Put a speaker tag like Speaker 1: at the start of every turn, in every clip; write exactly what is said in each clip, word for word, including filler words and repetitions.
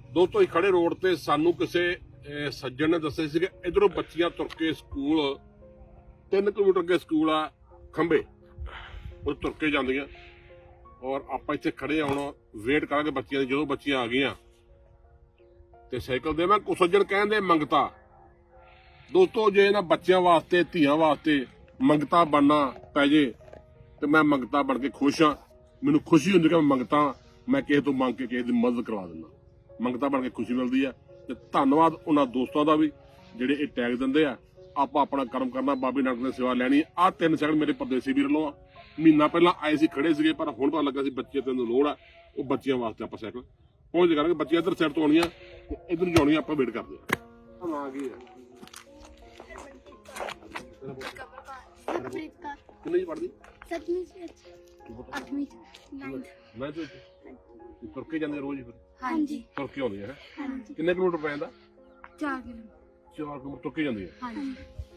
Speaker 1: ਦੋਸਤੋ ਅਸੀਂ ਖੜੇ ਰੋਡ ਤੇ ਸਾਨੂੰ ਕਿਸੇ ਸੱਜਣ ਨੇ ਦੱਸਿਆ ਸੀ ਕਿ ਇਧਰੋਂ ਬੱਚੀਆਂ ਤੁਰ ਕੇ ਸਕੂਲ ਤਿੰਨ ਕਿਲੋਮੀਟਰ ਅੱਗੇ ਸਕੂਲ ਆ ਖੰਬੇ ਉਹ ਤੁਰ ਕੇ ਜਾਂਦੀਆਂ ਔਰ ਆਪਾਂ ਇੱਥੇ ਖੜੇ ਹੁਣ ਵੇਟ ਕਰਾਂਗੇ ਬੱਚੀਆਂ ਦੀ। ਜਦੋਂ ਬੱਚੀਆਂ ਆ ਗਈਆਂ ਤੇ ਸਾਈਕਲ ਦੇ ਮੈਂ ਕੁਝ ਸੱਜਣ ਕਹਿੰਦੇ ਮੰਗਤਾ। ਦੋਸਤੋ ਜੇ ਇਹਨਾਂ ਬੱਚਿਆਂ ਵਾਸਤੇ ਧੀਆਂ ਵਾਸਤੇ ਮੰਗਤਾ ਬਣਨਾ ਪੈ ਜੇ ਤੇ ਮੈਂ ਮੰਗਤਾ ਬਣ ਕੇ ਖੁਸ਼ ਹਾਂ। ਮੈਨੂੰ ਖੁਸ਼ੀ ਹੁੰਦੀ ਕਿ ਮੈਂ ਮੰਗਤਾ ਮੈਂ ਕਿਸੇ ਤੋਂ ਮੰਗ ਕੇ ਕਿਸੇ ਦੀ ਮਦਦ ਕਰਵਾ ਦਿੰਦਾ। ਮੰਗਤਾ ਬਣ ਕੇ ਖੁਸ਼ੀ ਮਿਲਦੀ ਆ ਤੇ ਧੰਨਵਾਦ ਉਹਨਾਂ ਦੋਸਤਾਂ ਦਾ ਵੀ ਜਿਹੜੇ ਇਹ ਟੈਗ ਦਿੰਦੇ ਆ। ਆਪਾਂ ਆਪਣਾ ਕਰਮ ਕਰਨਾ, ਬਾਬੇ ਨਾਨਕ ਦੀ ਸੇਵਾ ਲੈਣੀ। ਆਹ ਤਿੰਨ ਸੈਕਿੰਡ ਮੇਰੇ ਪਰਦੇਸੀ ਵੀਰ ਵੱਲੋਂ ਆ। ਮਹੀਨਾ ਪਹਿਲਾਂ ਆਏ ਸੀ ਖੜੇ ਸੀਗੇ ਪਰ ਹੁਣ ਪਤਾ ਲੱਗਾ ਸੀ ਬੱਚੇ ਤੈਨੂੰ ਲੋੜ ਆ। ਉਹ ਬੱਚਿਆਂ ਵਾਸਤੇ ਆਪਾਂ ਸਾਈਕਲ ਪਹੁੰਚ ਕਰਾਂਗੇ। ਬੱਚੇ ਇੱਧਰ ਸਾਈਡ ਤੋਂ ਆਉਣੀਆਂ ਤੇ ਇੱਧਰ ਨੂੰ ਜਾਣੀਆਂ। ਆਪਾਂ ਵੇਟ ਕਰਦੇ ਆ। ਨਾਂ ਕੀ ਆ? ਕਿੰਨੇ ਜੀ ਪੜ੍ਹਦੀ?
Speaker 2: ਸੱਤਵੀਂ ਅੱਠਵੀਂ ਨਾਈਨਥ।
Speaker 1: ਮੈਂ ਤੇ ਤੁਰ ਕੇ ਜਾਂਦੇ ਰੋਜ਼ ਫਿਰ?
Speaker 2: ਹਾਂਜੀ
Speaker 1: ਤੁਰ ਕੇ ਆਉਂਦੀ ਹੈ।
Speaker 2: ਹਾਂਜੀ
Speaker 1: ਕਿੰਨੇ ਕਿਲੋਮੀਟਰ ਪੈ ਜਾਂਦਾ?
Speaker 2: ਚਾਰ ਕਿਲੋਮੀਟਰ।
Speaker 1: ਚਾਰ ਕਿਲੋਮੀਟਰ ਤੁਰ ਕੇ ਜਾਂਦੀ ਹੈ।
Speaker 2: ਹਾਂਜੀ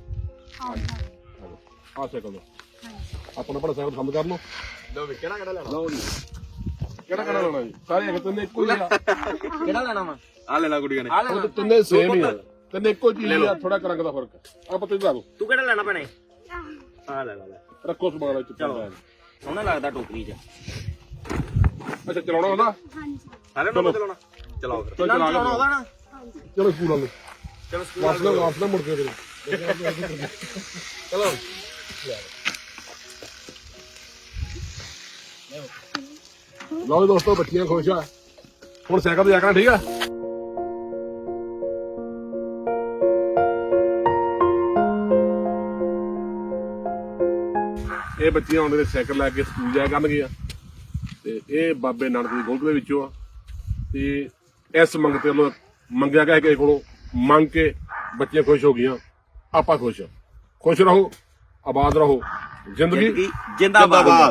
Speaker 1: ਆਹ ਸਾਈਕਲ ਦਾ
Speaker 2: ਹਾਂਜੀ
Speaker 1: ਆਪਣਾ ਆਪਣਾ ਸਾਈਕਲ ਬੰਦ ਕਰ ਲਓ।
Speaker 3: ਲਓ ਵੀ ਕਿਹੜਾ ਕਿਹੜਾ ਲੈਣਾ?
Speaker 1: ਲਓ ਜੀ ਕਿਹੜਾ ਕਿਹੜਾ ਲੈਣਾ ਜੀ? ਸਾਰੇ ਇੱਕ ਤਿੰਨੇ ਇੱਕੋ ਹੀ ਆ।
Speaker 3: ਕਿਹੜਾ ਲੈਣਾ ਵਾ? ਆ ਲੈ ਲੈ ਗੁੱਡੀਆਂ ਨੇ। ਆ
Speaker 1: ਉਹ ਤਿੰਨੇ ਸੇਮ ਹੀ ਆ। ਤਿੰਨੇ ਇੱਕੋ ਚੀਜ਼ ਆ, ਥੋੜਾ ਰੰਗ ਦਾ ਫਰਕ। ਆਪਾਂ ਤੇ ਦੱਸ ਦੋ
Speaker 3: ਤੂੰ ਕਿਹੜਾ ਲੈਣਾ ਭੈਣੇ? ਆ ਲੈ ਲੈ ਲੈ
Speaker 1: ਰੱਖੋ ਸਮਾਨ ਵਿੱਚ।
Speaker 3: ਚਲੋ ਸੋਹਣਾ ਲੱਗਦਾ ਟੋਕਰੀ 'ਚ।
Speaker 1: ਅੱਛਾ ਚਲਾਉਣਾ ਉਹਦਾ?
Speaker 2: ਹਾਂਜੀ
Speaker 3: ਸਾਰੇ ਨੂੰ ਚਲਾਉਣਾ? ਚਲਾਓ ਫਿਰ।
Speaker 1: ਚਲਾ
Speaker 3: ਚਲਾਉਣਾ ਉਹਦਾ ਨਾ?
Speaker 1: ਚਲੋ ਸਕੂਲ ਵਾਲੇ
Speaker 3: ਚਲੋ ਸਕੂਲ
Speaker 1: ਵਾਪਸ ਨਾ ਵਾਪਸ ਨਾ ਮੁੜ ਕੇ ਚਲੋ। ਲਓ ਦੋਸਤੋ ਬੱਚੀਆਂ ਖੁਸ਼ ਆ। ਹੁਣ ਸਾਈਕਲ ਤੇ ਜਾ ਕੇ ਠੀਕ ਆ। ਇਹ ਬੱਚੀਆਂ ਹੁਣ ਦੇ ਸਾਈਕਲ ਲੈ ਕੇ ਸਕੂਲ ਜਾਇਆ ਕਰਨਗੀਆਂ ਤੇ ਇਹ ਬਾਬੇ ਨਾਨਕ ਦੀ ਗੋਲਕ ਦੇ ਵਿੱਚੋਂ ਆ। ਤੇ ਇਸ ਮੰਗਤੇ ਵੱਲੋਂ ਮੰਗਿਆ ਗਿਆ ਕਿਸੇ ਕੋਲੋਂ ਮੰਗ ਕੇ ਬੱਚੀਆਂ ਖੁਸ਼ ਹੋ ਗਈਆਂ। ਆਪਾਂ ਖੁਸ਼ ਆ। ਖੁਸ਼ ਰਹੋ, ਆਬਾਦ ਰਹੋ, ਜ਼ਿੰਦਗੀ
Speaker 3: ਜਿੰਦਾਬਾਦ।